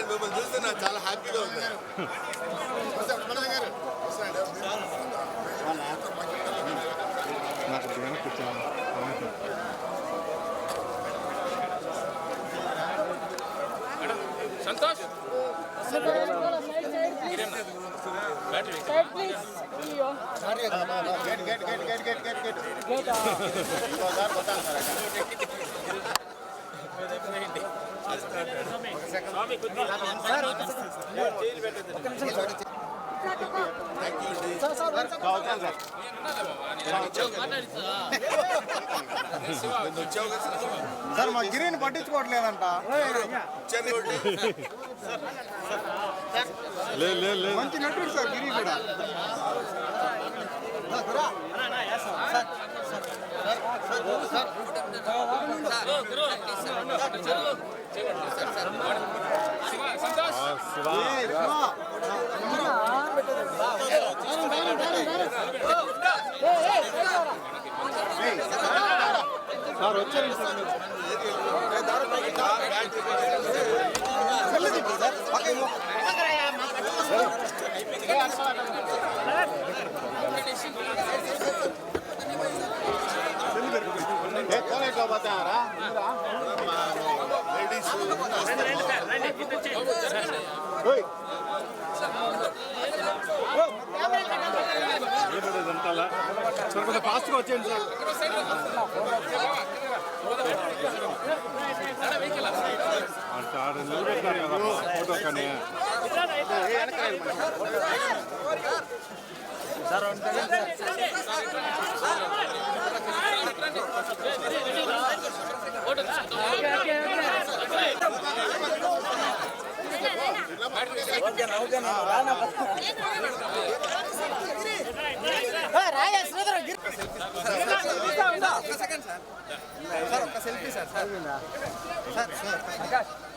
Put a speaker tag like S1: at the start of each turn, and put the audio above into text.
S1: నేను మిమ్మల్ని చూస్తే నాకు చాలా హ్యాపీగా ఉంది.
S2: సంతోష్
S3: సార్ మా గిరిని పట్టించుకోవట్లేదంట. మంచి నటుడు సార్ గిరి కూడా. సార్ వచ్చారు సార్ కొంచెం ఫాస్ట్గా వచ్చేయండి సార్ నిలబెట్టారు కదా ఫోటో కానీ
S1: సెల్ఫీ సార్